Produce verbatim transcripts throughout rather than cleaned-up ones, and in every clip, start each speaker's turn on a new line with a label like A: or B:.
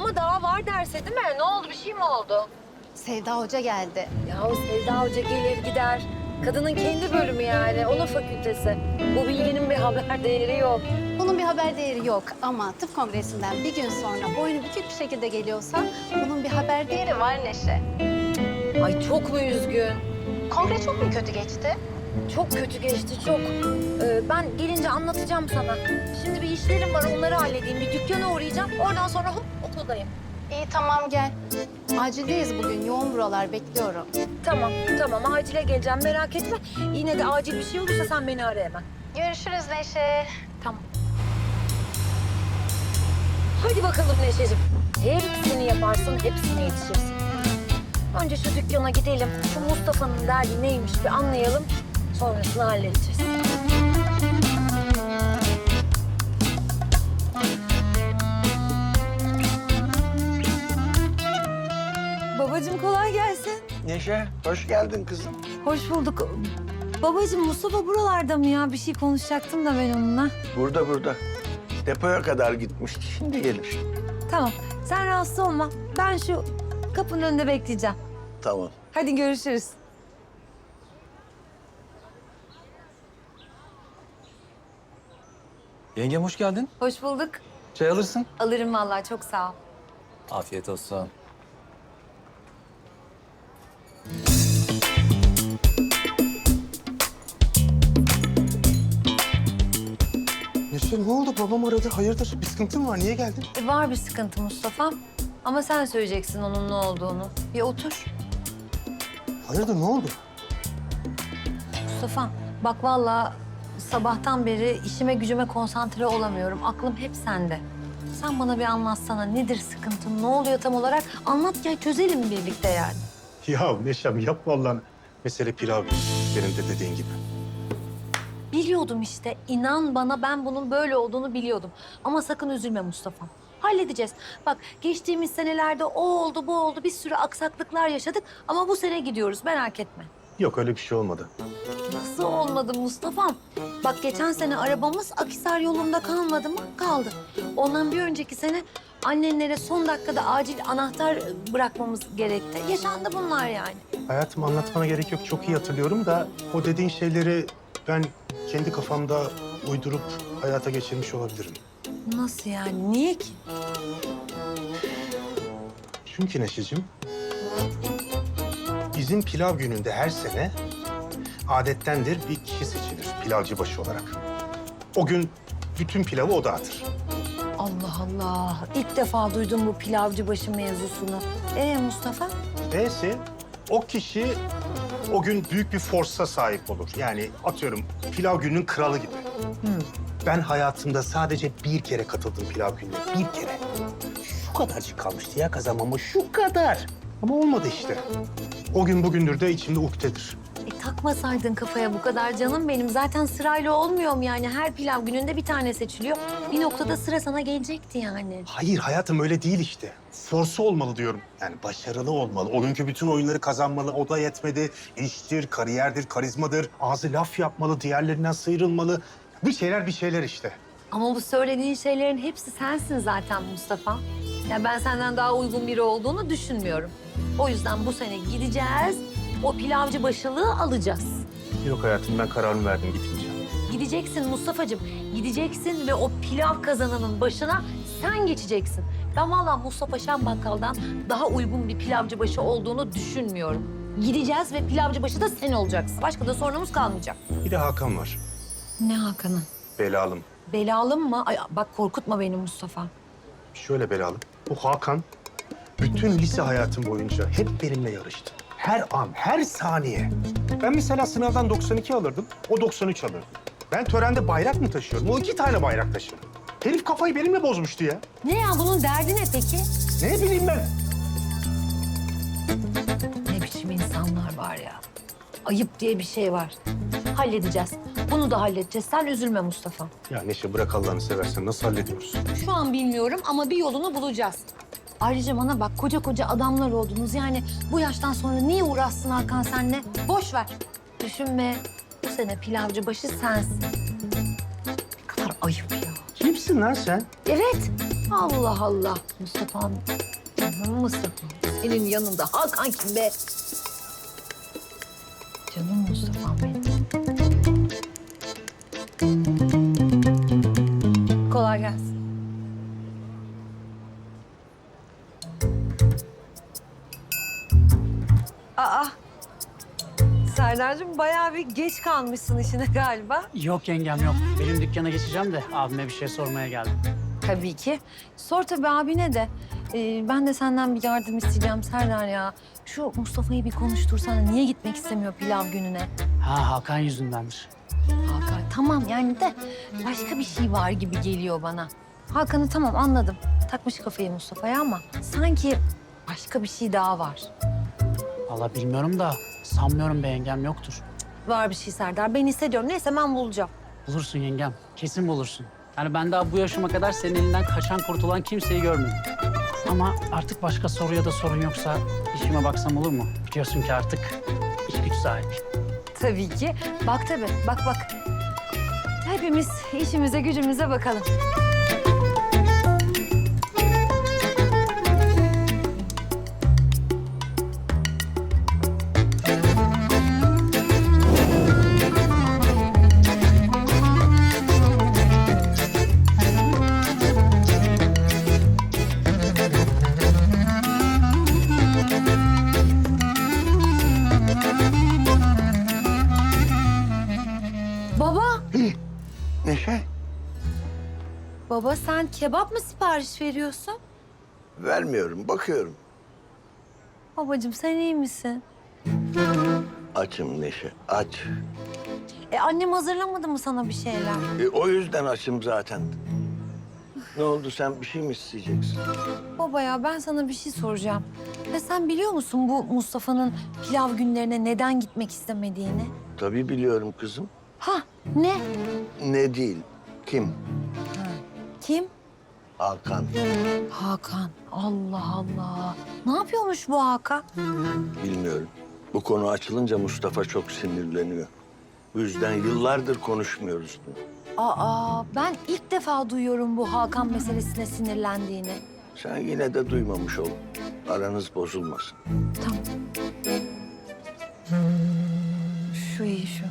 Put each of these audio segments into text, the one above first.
A: ama daha var derse değil mi? Ne oldu? Bir şey mi oldu?
B: Sevda Hoca geldi.
A: Ya o Sevda Hoca gelir gider. Kadının kendi bölümü yani. Onun fakültesi. Bu bilginin bir haber değeri yok.
B: Bunun bir haber değeri yok ama tıp kongresinden bir gün sonra boynu bükük bir şekilde geliyorsa bunun bir haber değeri var Neşe.
A: Ay çok mu üzgün?
B: Kongre çok mu kötü geçti?
A: Çok kötü geçti, çok. Ee, ben gelince anlatacağım sana. Şimdi bir işlerim var, onları halledeyim. Bir dükkana uğrayacağım. Oradan sonra hop okuldayım.
B: İyi tamam gel. Acildeyiz bugün. Yoğun buralar bekliyorum.
A: Tamam, tamam. Acile geleceğim. Merak etme. Yine de acil bir şey olursa sen beni ara hemen.
B: Görüşürüz Neşe.
A: Tamam. Hadi bakalım Neşeciğim. Hepsini yaparsın, hepsine yetişirsin. Önce şu dükkana gidelim. Şu Mustafa'nın derdi neymiş bir anlayalım. Sonrasını halledeceğiz. Babacığım kolay gelsin.
C: Neşe, hoş geldin kızım.
A: Hoş bulduk. Babacığım Mustafa buralarda mı ya? Bir şey konuşacaktım da ben onunla.
C: Burada burada. Depoya kadar gitmişti, şimdi gelir.
A: Tamam. Sen rahatsız olma. Ben şu kapının önünde bekleyeceğim.
C: Tamam.
A: Hadi görüşürüz.
D: Yengem hoş geldin.
A: Hoş bulduk.
D: Çay alırsın.
A: Alırım vallahi, çok sağ ol.
D: Afiyet olsun.
E: Neşe ne oldu? Babam aradı. Hayırdır? Bir sıkıntın var. Niye geldin?
A: E, var bir sıkıntı Mustafa'm. Ama sen söyleyeceksin onun ne olduğunu. Bir otur.
E: Hayırdır? Ne oldu?
A: Mustafa'm bak vallahi sabahtan beri işime gücüme konsantre olamıyorum. Aklım hep sende. Sen bana bir anlatsana. Nedir sıkıntın? Ne oluyor tam olarak? Anlat ya, çözelim birlikte yani.
E: Ya Neşem yap vallahi. Mesele pilav değil. Benim de dediğin gibi.
A: Biliyordum işte. İnan bana, ben bunun böyle olduğunu biliyordum. Ama sakın üzülme Mustafa'm. Halledeceğiz. Bak geçtiğimiz senelerde o oldu, bu oldu. Bir sürü aksaklıklar yaşadık. Ama bu sene gidiyoruz, merak etme.
E: Yok öyle bir şey olmadı.
A: Nasıl olmadı Mustafa'm? Bak geçen sene arabamız Akhisar yolunda kalmadı mı? Kaldı. Ondan bir önceki sene annenlere son dakikada acil anahtar bırakmamız gerekti. Yaşandı bunlar yani.
E: Hayatım anlatmana gerek yok. Çok iyi hatırlıyorum da o dediğin şeyleri ben kendi kafamda uydurup hayata geçirmiş olabilirim.
A: Nasıl yani? Niye ki?
E: Çünkü Neşeciğim, bizim pilav gününde her sene adettendir bir kişi seçilir pilavcı başı olarak. O gün bütün pilavı o dağıtır.
A: Allah Allah. İlk defa duydum bu pilavcı başı mevzusunu. Ee Mustafa?
E: Neyse o kişi o gün büyük bir forsa sahip olur. Yani atıyorum pilav gününün kralı gibi. Ben hayatımda sadece bir kere katıldım pilav gününe. Bir kere. Şu kadarcık kalmıştı ya kazanmama. Şu kadar. Ama olmadı işte. O gün bugündür de içimde ukdedir.
A: E takmasaydın kafaya bu kadar canım benim. Zaten sırayla olmuyor mu yani? Her pilav gününde bir tane seçiliyor. Bir noktada sıra sana gelecekti yani.
E: Hayır hayatım öyle değil işte. Forsu olmalı diyorum. Yani başarılı olmalı. O günkü bütün oyunları kazanmalı. O da yetmedi. İştir, kariyerdir, karizmadır. Ağzı laf yapmalı, diğerlerinden sıyrılmalı. Bir şeyler bir şeyler işte.
A: Ama bu söylediğin şeylerin hepsi sensin zaten Mustafa. Ya ben senden daha uygun biri olduğunu düşünmüyorum. O yüzden bu sene gideceğiz, o pilavcı başılığı alacağız.
E: Yok hayatım ben kararımı verdim gitmeyeceğim.
A: Gideceksin Mustafa'cığım, gideceksin ve o pilav kazanının başına sen geçeceksin. Ben vallahi Mustafa Şen Bakkal'dan daha uygun bir pilavcı başı olduğunu düşünmüyorum. Gideceğiz ve pilavcı başı da sen olacaksın. Başka da sorunumuz kalmayacak.
E: Bir de Hakan var.
A: Ne Hakan'ı?
E: Belalım.
A: Belalım mı? Ay bak korkutma beni Mustafa.
E: Şöyle belalım. Bu Hakan bütün lise hayatım boyunca hep benimle yarıştı. Her an, her saniye. Ben mesela sınavdan doksan iki alırdım, o doksan üç alırdı. Ben törende bayrak mı taşıyorum? O iki tane bayrak taşır. Herif kafayı benimle bozmuştu ya.
A: Ne ya bunun derdi ne peki?
E: Ne bileyim ben.
A: Ne biçim insanlar var ya. Ayıp diye bir şey var. Halledeceğiz. Bunu da halledeceğiz. Sen üzülme Mustafa.
E: Ya Neşe bırak Allah'ını seversen nasıl hallediyoruz?
A: Şu an bilmiyorum ama bir yolunu bulacağız. Ayrıca bana bak koca koca adamlar oldunuz. Yani bu yaştan sonra niye uğraşsın Hakan seninle? Boş ver. Düşünme. Bu sene pilavcı başı sensin. Ne kadar ayıp ya.
E: Kimsin lan sen?
A: Evet. Allah Allah. Mustafa'm. Canım Mustafa. Senin yanında Hakan kim be? Canım Mustafa'm benim. Kolay gelsin. Aa. Serdar'cığım bayağı bir geç kalmışsın işine galiba.
F: Yok yengem yok. Benim dükkana geçeceğim de abime bir şey sormaya geldim.
A: Tabii ki. Sor tabii abine de. Ee, ben de senden bir yardım isteyeceğim Serdar ya. Şu Mustafa'yı bir konuştursana. Niye gitmek istemiyor pilav gününe?
F: Ha Hakan yüzündendir.
A: Hakan tamam yani de başka bir şey var gibi geliyor bana. Hakan'ı tamam anladım. Takmış kafayı Mustafa'ya ama sanki başka bir şey daha var.
F: Vallahi bilmiyorum da sanmıyorum be yengem yoktur.
A: Var bir şey Serdar. Ben hissediyorum. Neyse ben bulacağım.
F: Bulursun yengem. Kesin bulursun. Yani ben daha bu yaşıma kadar senin elinden kaçan kurtulan kimseyi görmedim. Ama artık başka soru ya da sorun yoksa işime baksam olur mu? Biliyorsun ki artık iş güç sahibi.
A: Tabii ki. Bak tabii. Bak bak. Hepimiz işimize gücümüze bakalım. Baba.
C: Neşe,
A: Baba sen kebap mı sipariş veriyorsun?
C: vermiyorum, bakıyorum.
A: Babacığım sen iyi misin?
C: Açım Neşe, aç.
A: E annem hazırlamadı mı sana bir şeyler?
C: E, o yüzden açım zaten. Ne oldu, sen bir şey mi isteyeceksin?
A: Baba ya ben sana bir şey soracağım. Ya sen biliyor musun bu Mustafa'nın pilav günlerine neden gitmek istemediğini?
C: Tabii biliyorum kızım.
A: Ha ne?
C: Ne değil, kim?
A: Kim?
C: Hakan.
A: Hakan. Allah Allah. Ne yapıyormuş bu Hakan?
C: Bilmiyorum. Bu konu açılınca Mustafa çok sinirleniyor. Bu yüzden yıllardır konuşmuyoruz.
A: Aa ben ilk defa duyuyorum bu Hakan meselesine sinirlendiğini.
C: Sen yine de duymamış ol. Aranız bozulmasın.
A: Tamam. Şu iyi şu.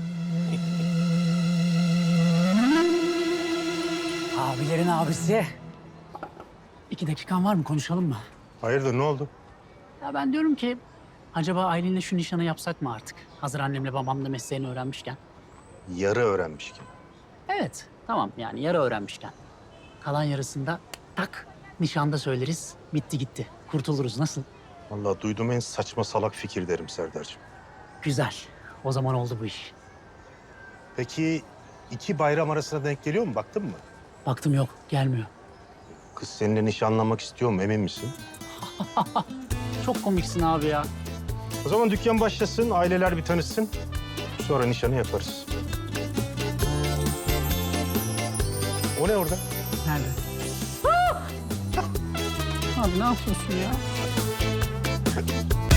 F: Abilerin abisi. İki dakikan var mı? Konuşalım mı?
E: Hayırdır, ne oldu?
F: Ya ben diyorum ki acaba Aylin'le şu nişanı yapsak mı artık? Hazır annemle babam da mesleğini öğrenmişken.
E: Yarı öğrenmişken.
F: Evet, tamam yani yarı öğrenmişken. Kalan yarısında tak nişanda söyleriz. Bitti gitti. Kurtuluruz. Nasıl?
E: Vallahi duyduğum en saçma salak fikir derim Serdar'cığım.
F: Güzel. O zaman oldu bu iş.
E: Peki iki bayram arasına denk geliyor mu? Baktın mı?
F: Baktım yok, gelmiyor.
E: Kız seninle nişanlanmak istiyor mu? Emin misin?
F: Çok komiksin abi ya.
E: O zaman dükkan başlasın, aileler bir tanışsın. Sonra nişanı yaparız. O ne orada?
F: Nerede? Abi ne yapıyorsun ya?